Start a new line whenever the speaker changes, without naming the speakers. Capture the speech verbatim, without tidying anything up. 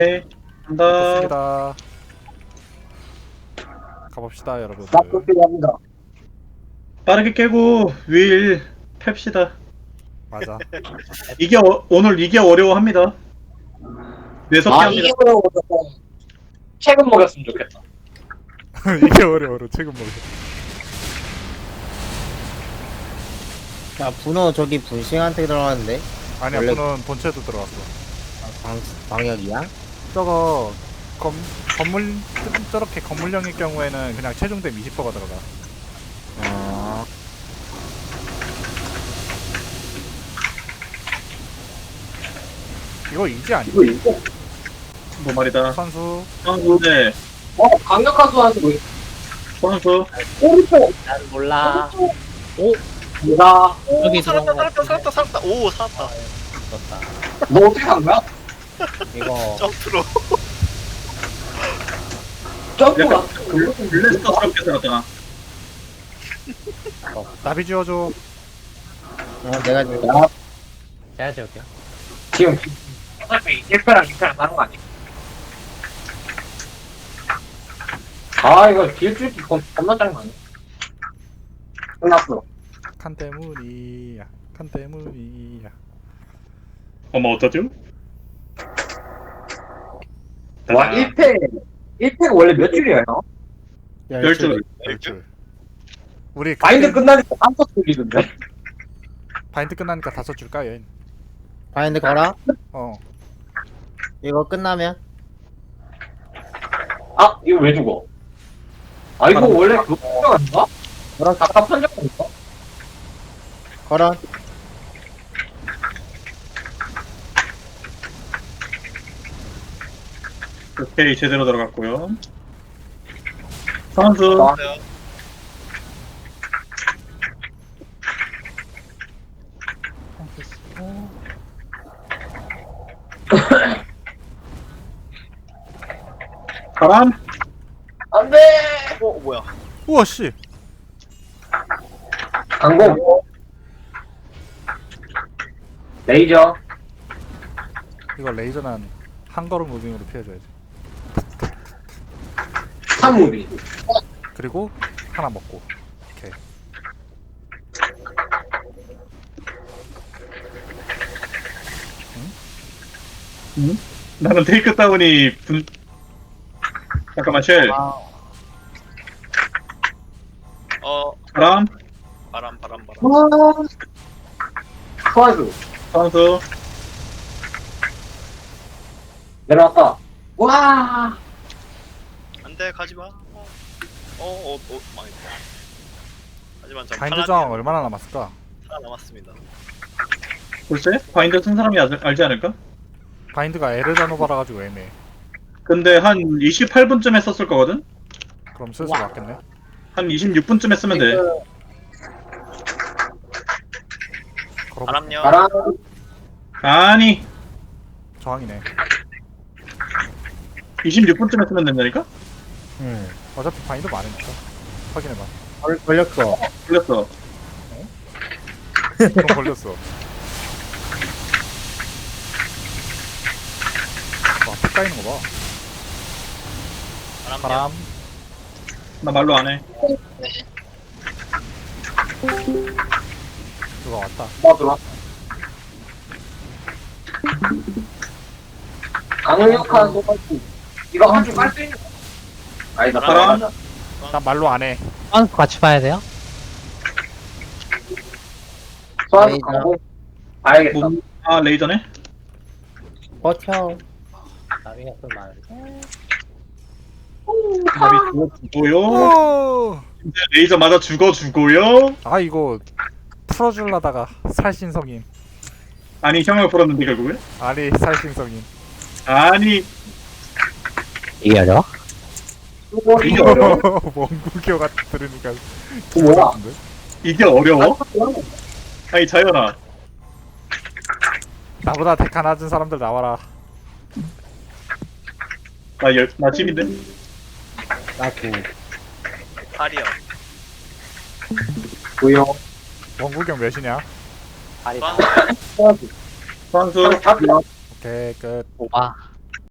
네, 간다.
좋습니다. 가봅시다 여러분들.
납득 필요합니다.
빠르게 깨고 윌 팹시다.
맞아.
이게 어, 오늘 이게 어려워합니다. 뇌석기
아,
합니다.
이게 그러고 책은 먹였으면 좋겠다.
이게 어려워로 최근 먹어.
야 분호 저기 분싱한테 들어갔는데
아니야
원래-
분은 본체도 들어왔어.
방, 방역이야?
저거 검, 건물 저렇게 건물형일 경우에는 그냥 체중댐 이십 퍼센트가 들어가.
어...
이거 이지 아니야?
이거 이거.
뭐 말이다.
선수
선수 네,
어, 강력한 수하는 거.
선수.
오른쪽.
난 몰라.
내가
여기
살았다
들어온 거
살았다 살았다 살았다 오 살았다
떴다.
너 어떻게 산 거야?
이거
점프로
점프가
약간 블래스터스럽게 살았잖아.
나비 지워줘.
어, 내가 지금
야,
제가 지울게요.
지금 어차피 일 패랑 이 패랑 다른 거 아니야? 아 이거 딜줄기 겁나 짜증 나네. 끝났어.
칸 때문이야. 칸 때문이야.
어머 어쩌죠?
와 일 패 일 패가 원래 몇 줄이에요?
열 줄.
열줄. 우리
마인드
그때
끝나니까 깜짝 놀리던데.
바인드 끝나니까 다섯 줄까 얘.
바인드 걸어?
어.
이거 끝나면
아 이거 왜 죽어? 아 이거 원래 그거 편적 아닌가?
걸어
아까 편적 아닌가?
걸어.
오케이 제대로 들어갔고요. 선수.
아.
바람.
안돼.
어 뭐야
우와 씨.
강공. 레이저.
이거 레이저는 한 걸음 무빙으로 피해줘야지.
산무비.
그리고 하나 먹고. 오케이.
나는 테이크 다운이 분. 잠깐만 쉘.
어
바람.
바람 바람 바람
소환수.
선수.
내려왔다. 와.
안돼 가지마 어어어 망했다 하지만 전
바인드
하나
저항 얼마나 남았을까?
남았습니다
글쎄 바인더 쓴 사람이 알- 알지 않을까?
바인드가 에르자노바라 가지고 애매해.
근데 한 이십팔 분쯤 했었을 거거든?
그럼 슬슬 맞겠네.
한 이십육 분쯤 했으면 돼.
걸어.
바람요
바람.
아니
저항이네.
이십육 분쯤 했으면 된다니까?
응.
어차피 바인드 많으니까. 확인해봐.
걸, 걸렸어.
걸렸어.
그럼 걸렸어. 와, 피 까이는 거 봐.
바람요
바람.
나 말로 안 해.
누가 왔다.
뭐 들어. 강력한 소환수. 이거 한 줄 깔 수 있는. 아니다.
바람.
바람.
난 말로 안 해.
아, 같이 봐야 돼요?
소환수
레이저.
강공. 봐야겠다.
뭐, 아 레이저네?
버텨. 나비가 좀 많은데.
답이 죽어 죽고요.
오!
이제 레이저 맞아 죽어 죽고요.
아, 이거 풀어주려다가 살신성인.
아니 형을 풀었는데 결국에?
아니, 살신성인.
아니
이게 어려워?
이게 어려워?
원구교가 들으니까
뭐야?
같은데?
이게 어려워? 아니 자연아
나보다 데카 낮은 사람들 나와라.
나, 열, 나 집인데?
나구.
팔이요
보여.
원구경 몇이냐?
발이
소환
소환수.
선수
잡혀.
오케이, 끝.
오바.